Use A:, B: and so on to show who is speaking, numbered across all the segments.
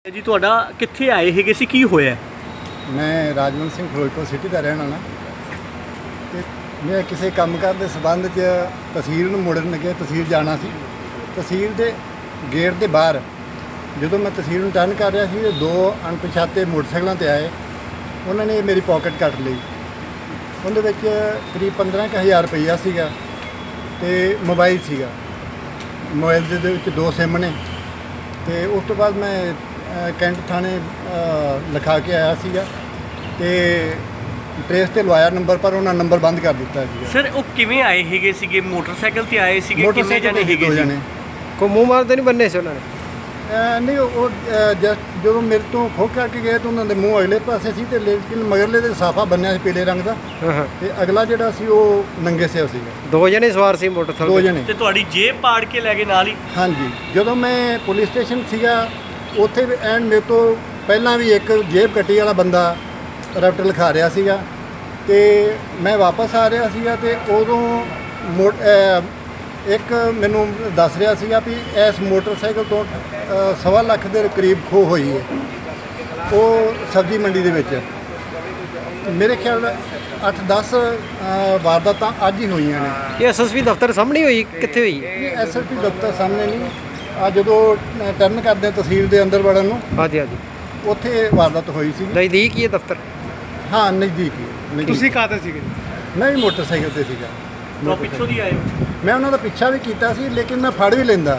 A: जी ਤੁਹਾਡਾ ਕਿੱਥੇ ਆਏ ਹੈਗੇ ਸੀ ਕੀ ਹੋਇਆ?
B: मैं राजवंत सिंह फिरोजपुर सिटी का रहने वाला ते मैं किसी कामकाज के संबंध च तहसील नूं मुड़न लगे तहसील जाना सी। तहसील के गेट के बाहर जो मैं तहसील नूं टर्न कर रहा सी ते दो अणपछाते मोटरसाइकिलों ते आए। उन्होंने मेरी पॉकेट कट ली। उहदे विच करीब 15,000 रुपया सीगा ते मोबाइल सीगा। मोबाइल दे विच 2 सिम ने ते उस तो बाद मैं कैंट थाने लिखा के आया सीगा ते ट्रेस ते लवाया नंबर पर उन्होंने नंबर बंद कर दिता है।
A: सर वो किवें आए हैगे सीगे? मोटरसाइकिल ते आए सीगे? कितने जने हैगे
B: दो
A: सी?
B: जने
C: कोई मुँह मारते नहीं बनने से उन्होंने?
B: नहीं वो जस्ट जो मेरे तो खो करके गए तो उन्होंने मूँह अगले पासे सी ते लेकिन मगरले ते साफा बन्निया सी पीले रंग दा ते अगला जिहड़ा सी वो नंगे सिर सीगा।
C: 2 जने सवार सी मोटरसाइकिल?
B: 2 जने।
A: ਤੇ ਤੁਹਾਡੀ ਜੇਬ ਪਾੜ ਕੇ ਲੈ ਗਏ ਨਾਲ ਹੀ?
B: हाँ जी जो मैं पुलिस स्टेशन सीगा ਉੱਥੇ ਵੀ ਐਂਡ ਮੇਰੇ ਤੋਂ ਪਹਿਲਾਂ ਵੀ ਇੱਕ ਜੇਬ ਕੱਟੀ ਵਾਲਾ ਬੰਦਾ ਰੈਪਟ ਲਿਖਾ ਰਿਹਾ ਸੀਗਾ ਤੇ ਮੈਂ ਵਾਪਸ ਆ ਰਿਹਾ ਸੀਗਾ ਤੇ ਉਦੋਂ ਇੱਕ ਮੈਨੂੰ ਦੱਸ ਰਿਹਾ ਸੀਗਾ ਵੀ ਇਸ ਮੋਟਰਸਾਈਕਲ ਤੋਂ 1.25 ਲੱਖ ਦੇ ਕਰੀਬ ਖੋਹ ਹੋਈ ਹੈ ਉਹ ਸਬਜ਼ੀ ਮੰਡੀ ਦੇ ਵਿੱਚ। ਮੇਰੇ ਖਿਆਲ 8-10 ਵਾਰਦਾਤਾਂ ਅੱਜ ਹੀ ਹੋਈਆਂ ਨੇ।
C: ਇਹ ਐਸਐਸਪੀ ਦਫ਼ਤਰ ਸਾਹਮਣੇ ਹੋਈ ਕਿੱਥੇ ਹੋਈ?
B: ਇਹ ਐਸਐਸਪੀ ਦਫ਼ਤਰ ਸਾਹਮਣੇ ਨਹੀਂ ਆ ਜਦੋਂ ਟਰਨ ਕਰਦੇ ਆ ਤਹਿਸੀਲ ਦੇ ਅੰਦਰ ਵੜਨ ਨੂੰ
C: ਹਾਂਜੀ ਹਾਂਜੀ
B: ਉੱਥੇ ਵਾਰਦਾਤ ਹੋਈ ਸੀ।
C: ਨਜ਼ਦੀਕ ਹੀ ਹੈ ਦਫ਼ਤਰ?
B: ਹਾਂ ਨਜ਼ਦੀਕ ਹੀ।
C: ਤੁਸੀਂ ਕਾਹਤੇ ਸੀਗੇ?
B: ਮੈਂ ਵੀ ਮੋਟਰਸਾਈਕਲ ਤੇ ਸੀਗਾ।
A: ਤੋਂ ਪਿੱਛੋਂ ਦੀ ਆਏ ਹੋ?
B: ਮੈਂ ਉਹਨਾਂ ਦਾ ਪਿੱਛਾ ਵੀ ਕੀਤਾ ਸੀ ਲੇਕਿਨ ਮੈਂ ਫੜ ਵੀ ਲੈਂਦਾ।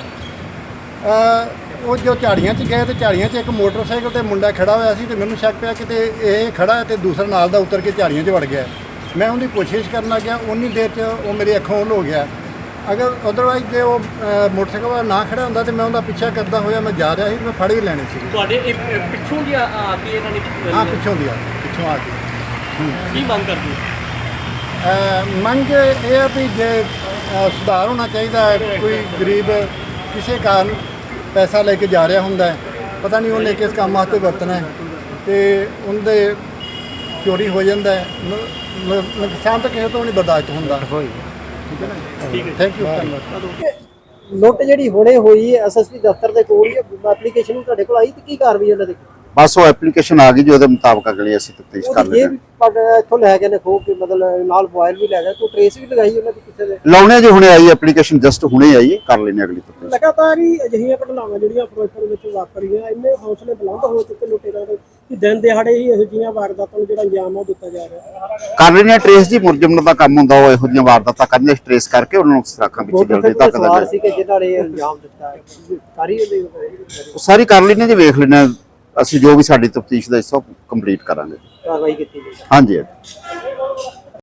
B: ਉਹ ਜੋ ਝਾੜੀਆਂ 'ਚ ਗਏ ਤੇ ਝਾੜੀਆਂ 'ਚ ਇੱਕ ਮੋਟਰਸਾਈਕਲ ਤੇ ਮੁੰਡਾ ਖੜਾ ਹੋਇਆ ਸੀ ਤੇ ਮੈਨੂੰ ਸ਼ੱਕ ਪਿਆ ਕਿਤੇ ਇਹ ਖੜਾ ਹੈ ਤੇ ਦੂਸਰਾ ਨਾਲ ਦਾ ਉਤਰ ਕੇ ਝਾੜੀਆਂ 'ਚ ਵੜ ਗਿਆ। ਮੈਂ ਉਹਦੀ ਕੋਸ਼ਿਸ਼ ਕਰਨ ਲੱਗਿਆ ਉਨੀ ਦੇਰ 'ਚ ਉਹ ਮੇਰੀ ਅੱਖੋਂ ਉਹਲ ਹੋ ਗਿਆ। ਅਗਰ ਅਦਰਵਾਈਜ਼ ਜੇ ਉਹ ਮੋਟਰਸਾਈਕਲ ਵਾਲਾ ਨਾ ਖੜਾ ਹੁੰਦਾ ਤੇ ਮੈਂ ਉਹਦਾ ਪਿੱਛਾ ਕਰਦਾ ਹੋਇਆ ਮੈਂ ਜਾ ਰਿਹਾ ਸੀ। ਮੈਂ ਫੜ ਹੀ ਲੈਣੇ ਸੀ।
A: ਤੁਹਾਡੇ ਪਿੱਛੋਂ ਦੀ ਆ ਕੇ ਇਹਨਾਂ ਨੇ
B: ਹਾਂ ਪਿੱਛੋਂ ਆ ਕੇ।
A: ਕੀ ਮੰਗ ਕਰਦੇ ਹੋ?
B: ਮੰਗ ਇਹ ਆ ਵੀ ਜੇ ਸੁਧਾਰ ਹੋਣਾ ਚਾਹੀਦਾ ਹੈ। ਕੋਈ ਗਰੀਬ ਕਿਸੇ ਕਾਰਨ ਪੈਸਾ ਲੈ ਕੇ ਜਾ ਰਿਹਾ ਹੁੰਦਾ ਹੈ, ਪਤਾ ਨਹੀਂ ਉਹਨੇ ਕਿਸ ਕੰਮ ਵਾਸਤੇ ਵਰਤਣਾ ਹੈ ਤੇ ਉਹਦੇ ਚੋਰੀ ਹੋ ਜਾਂਦਾ ਹੈ। ਨੁਕਸਾਨ ਤਾਂ ਕਿਸੇ ਤੋਂ ਨਹੀਂ ਬਰਦਾਸ਼ਤ ਹੁੰਦਾ। ਠੀਕ ਹੈ ਨਾ?
A: ਠੀਕ ਹੈ।
B: ਥੈਂਕ ਯੂ ਧੰਨਵਾਦ।
D: ਲੁੱਟ ਜਿਹੜੀ ਹੁਣੇ ਹੋਈ ਹੈ ਐਸਐਸਪੀ ਦਫ਼ਤਰ ਦੇ ਕੋਲ ਹੀ ਐਪਲੀਕੇਸ਼ਨ ਵੀ ਤੁਹਾਡੇ ਕੋਲ ਆਈ ਤੇ ਕੀ ਕਾਰਵਾਈ ਉਹਨਾਂ ਦੀ?
E: ਬਸ ਉਹ ਐਪਲੀਕੇਸ਼ਨ ਆ ਗਈ ਜੀ, ਉਹਦੇ ਮੁਤਾਬਕ ਅਗਲੀ ਅਸੀਂ ਤਫਤੀਸ਼ ਕਰ
D: ਇਹ ਵੀ ਇੱਥੋਂ ਲੈ ਗਏ ਨੇ ਖੋ ਕੇ, ਮਤਲਬ ਨਾਲ ਮੋਬਾਈਲ ਵੀ ਲੈ ਗਏ, ਕੋਈ ਟ੍ਰੇਸ ਵੀ ਲਗਾਈ ਉਹਨਾਂ ਦੀ ਕਿਸੇ ਦੇ?
E: ਲਾਉਣੇ ਜੀ ਹੁਣੇ ਆਈ ਐਪਲੀਕੇਸ਼ਨ, ਜਸਟ ਹੁਣੇ ਆਈ ਹੈ, ਕਰ ਲੈਣੇ ਅਗਲੀ ਤਫਤੀਸ਼।
D: ਲਗਾਤਾਰ ਹੀ ਅਜਿਹੀਆਂ ਘਟਨਾਵਾਂ ਜਿਹੜੀਆਂ ਫਿਰੋਜ਼ਪੁਰ ਵਿੱਚ ਵਾਪਰੀਆਂ, ਇੰਨੇ ਹੌਸਲੇ ਬੁਲੰਦ ਹੋ ਚੁੱਕੇ ਲੁਟੇਰਾਂ ਦੇ ਕਿ ਦਿਨ ਦਿਹਾੜੇ ਹੀ ਇਹੋ ਜਿਹੀਆਂ ਵਾਰਦਾਤਾਂ ਨੂੰ ਜਿਹੜਾ ਅੰਜਾਮ ਉਹ ਦਿੱਤਾ ਜਾ ਰਿਹਾ।
E: ਕਰ ਲੈਣੇ ਟ੍ਰੇਸ ਜੀ, ਮੁਲਜ਼ਮ ਦਾ ਕੰਮ ਹੁੰਦਾ ਉਹ ਇਹੋ ਜਿਹੀਆਂ ਵਾਰਦਾਤਾਂ ਕਰਨੇ, ਟ੍ਰੇਸ ਕਰਕੇ ਉਹਨਾਂ ਨੂੰ ਸਰਾਖਾਂ ਵਿੱਚ ਜਲਦੀ ਤੱਕ
D: ਸਵਾਰ ਸੀ ਕਿ ਜਿਨ੍ਹਾਂ ਨੇ ਅੰਜਾਮ ਦਿੱਤਾ ਸਾਰੀ
E: ਸਾਰੀ ਕਰ ਲੈਣੇ ਜੀ, ਵੇਖ ਲੈਣੇ ਅਸੀਂ ਜੋ ਵੀ ਸਾਡੀ ਤਫਤੀਸ਼ ਦਾ ਹਿੱਸਾ ਕੰਪਲੀਟ ਕਰਾਂਗੇ।
D: ਕਾਰਵਾਈ ਕੀਤੀ ਗਈ।
E: ਹਾਂਜੀ।